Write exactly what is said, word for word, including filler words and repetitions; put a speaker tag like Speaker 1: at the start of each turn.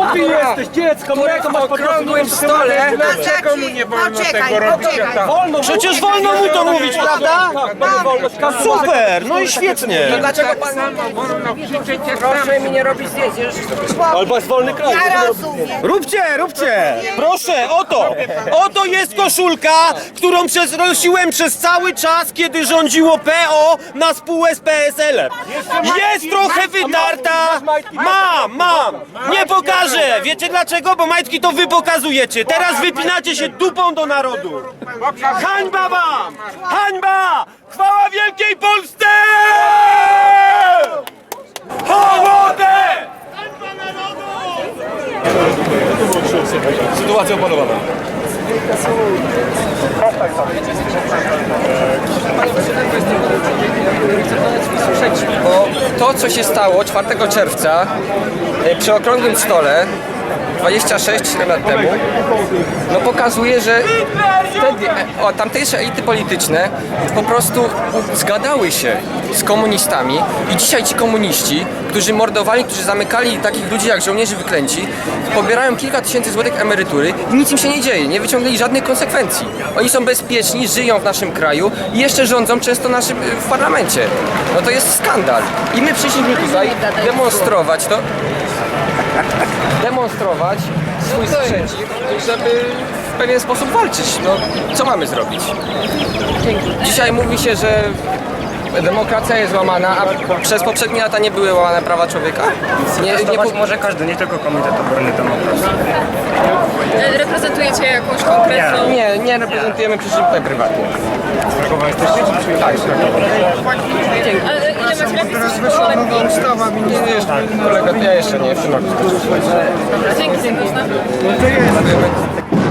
Speaker 1: Głupi jesteś, dziecko,
Speaker 2: który w okrągłym stole...
Speaker 3: Dlaczego mu nie wolno tego robić?
Speaker 1: Wolno,
Speaker 4: Przecież wolno mu to mówić, prawda?
Speaker 1: tak, będzie wolność. Każdy może
Speaker 4: Super, no i świetnie.
Speaker 2: Dlaczego pan...
Speaker 3: Wolno krzyczeć jak
Speaker 2: Proszę mi nie robić zdjęć.
Speaker 1: Albo jest wolny kraj.
Speaker 3: Ja rozumiem.
Speaker 4: Róbcie, róbcie! Proszę, oto! Oto jest koszulka, którą przez, nosiłem przez cały czas, kiedy rządziło P O na spółę z P S L-em. Jest trochę wytarta. Mam, mam. Nie pokażę. Wiecie dlaczego? Bo majtki to wy pokazujecie. Teraz wypinacie się dupą do narodu. Hańba wam! Hańba! Chwała Wielkiej Polsce! Hołodę! Sytuacja opanowana.
Speaker 2: Bo to, co się stało czwartego czerwca e, przy okrągłym stole dwadzieścia sześć lat temu, no pokazuje, że wtedy e, o, tamtejsze elity polityczne po prostu zgadały się z komunistami i dzisiaj ci komuniści, którzy mordowali, którzy zamykali takich ludzi jak żołnierze wyklęci, pobierają kilka tysięcy złotych emerytury i nic im się nie dzieje, nie wyciągnęli żadnych konsekwencji. Oni są bezpieczni, żyją w naszym kraju i jeszcze rządzą często naszym, w parlamencie. No to jest skandal. I my przyszliśmy tutaj demonstrować to, demonstrować swój sprzeciw, żeby w pewien sposób walczyć. No, co mamy zrobić? Dzisiaj mówi się, że demokracja jest łamana, a przez poprzednie lata nie były łamane prawa człowieka? Nie, nie po...
Speaker 5: Może każdy, nie tylko Komitet Obrony Demokracji.
Speaker 6: Reprezentujecie jakąś konkretną...
Speaker 2: Nie, nie reprezentujemy, przyszli tutaj prywatnie.
Speaker 5: Krakowa jesteście?
Speaker 2: Tak,
Speaker 6: Ale ile macie lat? Jesteście kolektywni?
Speaker 2: nie, jeszcze, kolega, ja jeszcze nie, w tym roku.
Speaker 6: Dzięki serdecznie.
Speaker 2: Dziękujemy.